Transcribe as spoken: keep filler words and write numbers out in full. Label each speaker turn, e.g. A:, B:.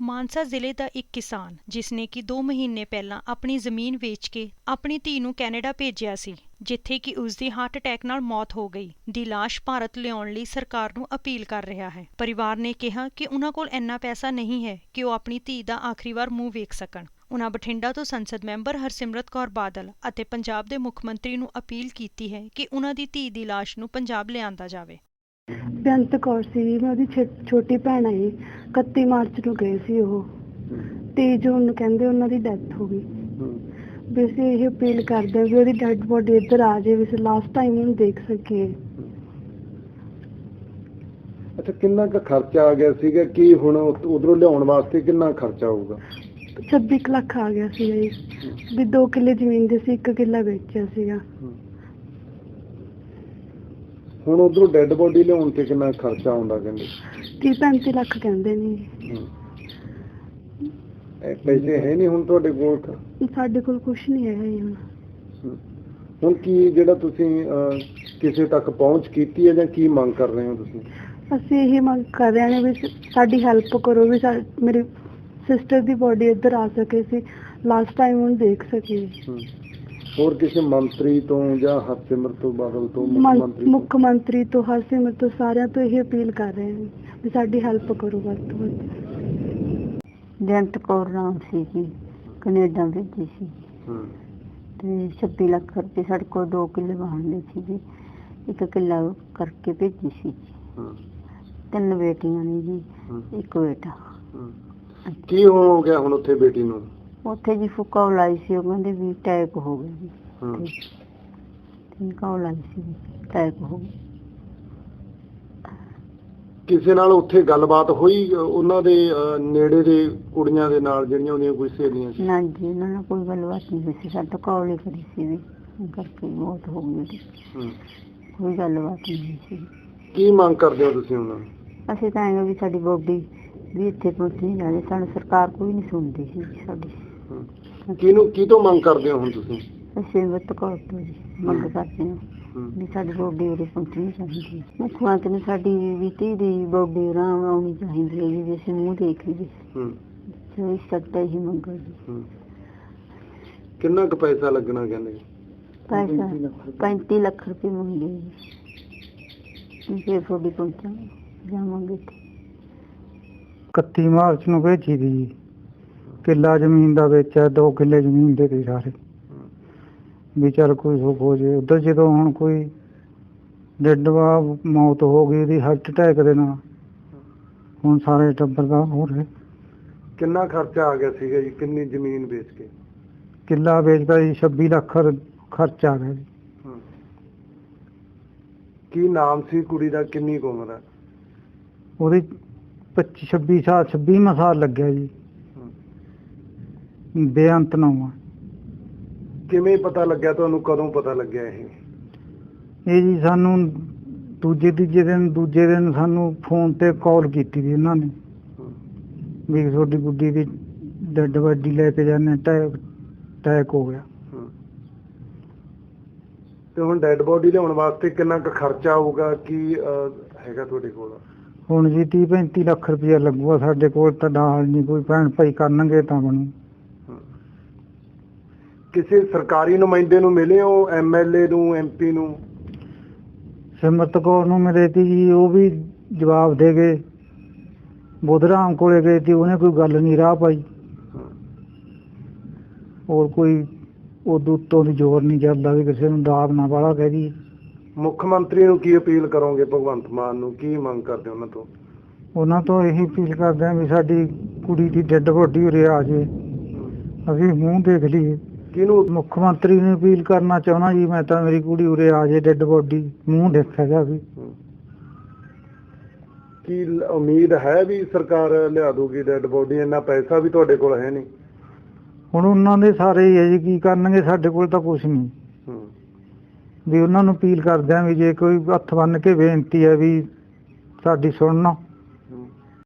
A: ਮਾਨਸਾ ਜ਼ਿਲ੍ਹੇ ਦਾ ਇੱਕ ਕਿਸਾਨ ਜਿਸ ਨੇ ਕਿ ਦੋ ਮਹੀਨੇ ਪਹਿਲਾਂ ਆਪਣੀ ਜ਼ਮੀਨ ਵੇਚ ਕੇ ਆਪਣੀ ਧੀ ਨੂੰ ਕੈਨੇਡਾ ਭੇਜਿਆ ਸੀ, ਜਿੱਥੇ ਕਿ ਉਸ ਦੀ ਹਾਰਟ ਅਟੈਕ ਨਾਲ ਮੌਤ ਹੋ ਗਈ, ਦੀ ਲਾਸ਼ ਭਾਰਤ ਲਿਆਉਣ ਲਈ ਸਰਕਾਰ ਨੂੰ ਅਪੀਲ ਕਰ ਰਿਹਾ ਹੈ। ਪਰਿਵਾਰ ਨੇ ਕਿਹਾ ਕਿ ਉਹਨਾਂ ਕੋਲ ਇੰਨਾ ਪੈਸਾ ਨਹੀਂ ਹੈ ਕਿ ਉਹ ਆਪਣੀ ਧੀ ਦਾ ਆਖਰੀ ਵਾਰ ਮੂੰਹ ਵੇਖ ਸਕਣ। ਉਨ੍ਹਾਂ ਬਠਿੰਡਾ ਤੋਂ ਸੰਸਦ ਮੈਂਬਰ ਹਰਸਿਮਰਤ ਕੌਰ ਬਾਦਲ ਅਤੇ ਪੰਜਾਬ ਦੇ ਮੁੱਖ ਮੰਤਰੀ ਨੂੰ ਅਪੀਲ ਕੀਤੀ ਹੈ ਕਿ ਉਨ੍ਹਾਂ ਦੀ ਧੀ ਦੀ ਲਾਸ਼ ਨੂੰ ਪੰਜਾਬ ਲਿਆਂਦਾ ਜਾਵੇ।
B: ਬੇਅੰਤ ਕੌਰ ਸੀ, ਮੈਂ ਉਹਦੀ ਛੋਟੀ ਭੈਣ ਆਈ। ਇਕੱਤੀ ਮਾਰਚ ਨੂੰ ਗਏ ਸੀ ਉਹ, ਤੀਹ ਜੂਨ ਨੂੰ ਕਹਿੰਦੇ ਉਹਨਾਂ ਦੀ ਡੈਥ ਹੋ ਗਈ। ਵੀ ਅਸੀਂ ਇਹ ਅਪੀਲ ਕਰਦੇ ਹਾਂ ਵੀ ਉਹਦੀ ਡੈਡ ਬੋਡੀ ਇੱਧਰ ਆ ਜਾਏ, ਵੀ ਅਸੀਂ ਲਾਸਟ ਟਾਈਮ ਉਹਨੂੰ ਦੇਖ ਸਕੀਏ।
C: ਅੱਛਾ, ਕਿੰਨਾ ਕੁ ਖਰਚਾ ਆ ਗਿਆ ਸੀਗਾ? ਕੀ ਹੁਣ ਉਧਰੋਂ ਲਿਆਉਣ ਵਾਸਤੇ ਕਿੰਨਾ ਖਰਚਾ ਆਊਗਾ?
B: ਛੱਬੀ ਕੁ ਲੱਖ ਆ ਗਿਆ ਸੀਗਾ ਜੀ। ਵੀ ਦੋ ਕਿੱਲੇ ਜ਼ਮੀਨ ਦੇ ਸੀ, ਇੱਕ ਕਿੱਲਾ ਵੇਚਿਆ ਸੀਗਾ।
C: ਹੁਣ ਉਧਰੋਂ ਡੈਡ ਬੋਡੀ ਲਿਆਉਣ ਤੇ ਕਿੰਨਾ ਖਰਚਾ ਆਉਂਦਾ? ਕਹਿੰਦੇ
B: ਤੀਹ ਪੈਂਤੀ ਲੱਖ ਕਹਿੰਦੇ ਨੇ।
C: ਪੈਸੇ ਹੈ ਨਹੀਂ ਹੁਣ ਤੁਹਾਡੇ ਕੋਲ?
B: ਸਾਡੇ ਕੋਲ ਕੁਛ ਨਹੀਂ ਹੈਗਾ ਜੀ ਹੁਣ।
C: ਹੁਣ ਕੀ ਜਿਹੜਾ ਤੁਸੀਂ ਕਿਸੇ ਤੱਕ ਪਹੁੰਚ ਕੀਤੀ ਹੈ ਜਾਂ ਕੀ ਮੰਗ ਕਰ ਰਹੇ ਹੋ ਤੁਸੀਂ?
B: ਅਸੀਂ ਇਹ ਮੰਗ ਕਰ ਰਹੇ ਹਾਂ ਵੀ ਸਾਡੀ ਹੈਲਪ ਕਰੋ, ਵੀ ਮੇਰੀ ਸਿਸਟਰ ਦੀ ਬੋਡੀ ਇੱਧਰ ਆ ਸਕੇ, ਅਸੀਂ ਲਾਸਟ ਟਾਈਮ ਉਹਨੂੰ ਦੇਖ ਸਕੀਏ।
C: ਹੋਰ ਕਿਸੇ ਮੰਤਰੀ ਤੋਂ ਜਾਂ ਹਰਸਿਮਰਤ ਤੋਂ ਬਾਦਲ ਤੋਂ,
B: ਮੁੱਖ ਮੰਤਰੀ ਤੋਂ, ਹਰਸਿਮਰਤ ਤੋਂ, ਸਾਰਿਆਂ ਤੋਂ ਇਹ ਅਪੀਲ ਕਰ ਰਹੇ ਹਾਂ ਵੀ ਸਾਡੀ ਹੈਲਪ ਕਰੋ ਵੱਧ ਤੋਂ ਵੱਧ। ਬੇਅੰਤ ਕੌਰ ਨਾਮ ਸੀ ਜੀ, ਕੈਨੇਡਾ ਭੇਜੀ ਸੀ ਤੇ ਛੱਬੀ ਲੱਖ ਰੁਪਏ ਸਾਡੇ ਕੋਲ ਦੋ ਕਿੱਲੇ ਵਾਹੁੰਦੇ ਸੀ ਜੀ, ਇੱਕ ਕਿੱਲਾ ਕਰਕੇ ਭੇਜੀ ਸੀ। ਤਿੰਨ ਬੇਟੀਆਂ ਨੇ ਜੀ, ਇੱਕ ਬੇਟਾ।
C: ਕੀ ਹੋ ਗਿਆ ਹੁਣ ਉੱਥੇ ਬੇਟੀ ਨੂੰ?
B: ਉੱਥੇ ਜੀ ਫੁੱਕਾ ਲਾਈ ਸੀ, ਉਹ ਕਹਿੰਦੇ ਵੀ ਅਟੈਕ ਹੋ ਗਿਆ ਜੀ। ਫੁੱਕਾ ਲਾਈ ਸੀ, ਅਟੈਕ ਹੋ ਗਿਆ।
C: ਕਿਸੇ ਨਾਲ ਉੱਥੇ ਗੱਲਬਾਤ ਹੋਈ ਉਹਨਾਂ ਦੇ ਨੇੜੇ ਦੇ ਕੁੜੀਆਂ ਦੇ ਨਾਲ, ਜਿਹੜੀਆਂ ਉਹਦੀਆਂ ਕੋਈ ਸਹੇਲੀਆਂ ਸੀ?
B: ਨਾ ਜੀ, ਉਹਨਾਂ ਨਾਲ ਕੋਈ ਗੱਲਬਾਤ ਨਹੀਂ ਹੋਈ ਸੀ। ਸਾਡੇ ਕਾਲ ਹੀ ਕਰੀ ਸੀ ਵੀ ਕਰਕੇ ਮੌਤ ਹੋ ਗਈ ਉਹਦੀ। ਕੋਈ ਗੱਲਬਾਤ ਨਹੀਂ ਹੋਈ ਸੀ।
C: ਕੀ ਮੰਗ ਕਰਦੇ ਹੋ ਤੁਸੀਂ ਉਹਨਾਂ ਨੂੰ?
B: ਅਸੀਂ ਤਾਂ ਐਂ ਵੀ ਸਾਡੀ ਬੋਡੀ ਵੀ ਇੱਥੇ ਪਹੁੰਚਣੀ ਜਾਵੇ, ਸਾਨੂੰ ਸਰਕਾਰ ਕੋਈ ਨਹੀਂ ਸੁਣਦੀ ਸੀ ਸਾਡੀ।
C: ਕਿਹਨੂੰ ਕੀ ਤੋਂ ਮੰਗ ਕਰਦੇ ਹੋ ਹੁਣ ਤੁਸੀਂ?
B: ਅਸੀਂ ਬੇਅੰਤ ਕੌਰ ਤੋਂ ਜੀ ਮੰਗ ਕਰਦੇ ਹਾਂ ਵੀ ਸਾਡੀ ਬੋਡੀ ਉਰੇ ਪਹੁੰਚਣੀ ਚਾਹੀਦੀ ਹੈ। ਮੁੱਖ ਮੰਤਰੀ ਨੂੰ ਸਾਡੀ ਵੀ ਧੀ ਦੀ ਬੋਡੀ ਉਰਾਂ ਆਉਣੀ ਚਾਹੀਦੀ ਹੈ ਜੀ, ਵੀ ਅਸੀਂ ਮੂੰਹ ਦੇਖ ਲਈਏ। ਜੋ ਇਸ ਸਕਦਾ ਹੀ ਮੰਗੋ ਜੀ।
C: ਕਿੰਨਾ ਕੁ ਪੈਸਾ ਲੱਗਣਾ ਕਹਿੰਦੇ?
B: ਪੈਸਾ ਪੈਂਤੀ ਲੱਖ ਰੁਪਏ ਮੰਗੇ ਜੀ, ਫਿਰ ਤੁਹਾਡੀ ਪਹੁੰਚਾਂਗੇ ਜਾਵਾਂਗੇ।
D: ਇਕੱਤੀ ਮਾਰਚ ਨੂੰ ਭੇਜੀ ਦੀ, ਕਿੱਲਾ ਜ਼ਮੀਨ ਦਾ ਵੇਚਿਆ, ਦੋ ਕਿੱਲੇ ਜ਼ਮੀਨ ਦੇ ਗਏ ਸਾਰੇ, ਵੀ ਚੱਲ ਕੋਈ ਸੁੱਖ ਹੋ ਜੇ ਉੱਧਰ। ਜਦੋਂ ਹੁਣ ਕੋਈ ਡੈਡ ਮੌਤ ਹੋ ਗਈ ਉਹਦੀ ਹਾਰਟ ਅਟੈਕ ਦੇ ਨਾਲ, ਹੁਣ ਸਾਰੇ ਟੱਬਰ ਦਾ ਹੋ ਰਿਹਾ।
C: ਕਿੰਨਾ ਖਰਚਾ ਆ ਗਿਆ ਸੀਗਾ ਜੀ? ਕਿੰਨੀ ਜ਼ਮੀਨ ਵੇਚ ਕੇ?
D: ਕਿੱਲਾ ਵੇਚਦਾ ਜੀ, ਛੱਬੀ ਲੱਖ ਖਰਚਾ ਆ ਗਿਆ ਜੀ।
C: ਕੀ ਨਾਮ ਸੀ ਕੁੜੀ ਦਾ? ਕਿੰਨੀ ਕੁ ਉਮਰ ਹੈ
D: ਉਹਦੀ? ਪੱਚੀ ਛੱਬੀ ਸਾਲ, ਛੱਬੀਵਾਂ ਸਾਲ ਲੱਗਿਆ ਜੀ। ਬੇਅੰਤ ਨਾਮ।
C: ਕਿਵੇਂ ਪਤਾ ਲੱਗਿਆ ਤੁਹਾਨੂੰ? ਕਦੋਂ ਪਤਾ ਲੱਗਿਆ ਇਹ?
D: ਇਹ ਜੀ ਸਾਨੂੰ ਦੂਜੇ ਤੀਜੇ ਦਿਨ ਦੂਜੇ ਦਿਨ ਸਾਨੂੰ ਫੋਨ ਤੇ ਕਾਲ ਕੀਤੀ ਸੀ ਇਹਨਾਂ ਨੇ ਵੀ ਤੁਹਾਡੀ ਗੁੱਡੀ ਦੀ ਡੈਡ ਬੋਡੀ ਲੈ ਕੇ ਜਾਂਦੇ, ਅਟੈਕ ਅਟੈਕ ਹੋ ਗਿਆ।
C: ਤੇ ਹੁਣ ਡੈਡ ਬੋਡੀ ਲਿਆਉਣ ਵਾਸਤੇ ਕਿੰਨਾ ਕੁ ਖਰਚਾ ਆਊਗਾ? ਕੀ ਹੈਗਾ ਤੁਹਾਡੇ ਕੋਲ?
D: ਹੁਣ ਜੀ ਤੀਹ ਪੈਂਤੀ ਲੱਖ ਰੁਪਇਆ ਲੱਗੂਗਾ ਸਾਡੇ ਕੋਲ ਤਾਂ ਨਾਲ ਨਹੀਂ, ਕੋਈ ਭੈਣ ਭਾਈ ਕਰਨਗੇ ਤਾਂ ਬਣੂ।
C: ਕਿਸੇ ਸਰਕਾਰੀ ਨੁਮਾਇੰਦੇ ਨੂੰ ਮਿਲੇ ਹੋ? ਐਮ ਐਲ ਏ ਨੂੰ, ਐਮ ਪੀ ਨੂੰ?
D: ਸਿਮਰਤ ਕੌਰ ਨੂੰ ਮਿਲੇ ਤੀ ਜੀ, ਉਹ ਵੀ ਜਵਾਬ ਦੇ ਗਏ। ਬੁੱਧਰਾਮ ਕੋਲੇ ਗਏ ਸੀ, ਉਹਨੇ ਕੋਈ ਗੱਲ ਨਹੀਂ ਰਾਹ ਪਾਈ। ਹੋਰ ਕੋਈ ਉਦੋਂ ਉੱਤੋਂ ਦੀ ਜ਼ੋਰ ਨਹੀਂ ਚੱਲਦਾ ਵੀ ਕਿਸੇ ਨੂੰ ਦਾਬ ਨਾ ਵਾਲਾ ਕਹਿ ਦੀ।
C: ਮੁੱਖ ਮੰਤਰੀ ਨੂੰ ਕੀ ਅਪੀਲ ਕਰੋਗੇ? ਭਗਵੰਤ ਮਾਨ ਨੂੰ ਕੀ ਮੰਗ ਕਰਦੇ ਉਹਨਾਂ ਤੋਂ?
D: ਉਹਨਾਂ ਤੋਂ ਇਹੀ ਅਪੀਲ ਕਰਦੇ ਹਾਂ ਵੀ ਸਾਡੀ ਕੁੜੀ ਦੀ ਡੈਡ ਬੋਡੀ ਉਰੇ ਆ ਜਾਵੇ, ਅਸੀਂ ਮੂੰਹ ਦੇਖ ਲਈਏ।
C: ਕਿਹਨੂੰ?
D: ਮੁੱਖ ਮੰਤਰੀ ਨੂੰ ਅਪੀਲ ਕਰਨਾ ਚਾਹੁੰਦਾ ਜੀ ਮੈਂ ਤਾਂ, ਮੇਰੀ ਕੁੜੀ ਉਰੇ ਆ ਜਾਏ, ਡੈਡ ਬੋਡੀ ਮੂੰਹ ਦੇਖਿਆ ਜਾਵੇ।
C: ਕੀ ਉਮੀਦ ਹੈ ਵੀ ਸਰਕਾਰ ਲਿਆ ਦੂਗੀ ਡੈਡ ਬੋਡੀ? ਇੰਨਾ ਪੈਸਾ ਵੀ ਤੁਹਾਡੇ ਕੋਲ ਹੈ ਨਹੀਂ।
D: ਹੁਣ ਉਹਨਾਂ ਦੇ ਸਾਰੇ ਹੀ ਹੈ ਜੀ, ਕੀ ਕਰਨਗੇ? ਸਾਡੇ ਕੋਲ ਤਾਂ ਕੁਛ ਨਹੀਂ। ਵੀ ਉਹਨਾਂ ਨੂੰ ਅਪੀਲ ਕਰਦੇ ਹਾਂ ਵੀ ਜੇ ਕੋਈ ਹੱਥ ਬੰਨ੍ਹ ਕੇ ਬੇਨਤੀ ਹੈ ਵੀ ਸਾਡੀ ਸੁਣਨਾ,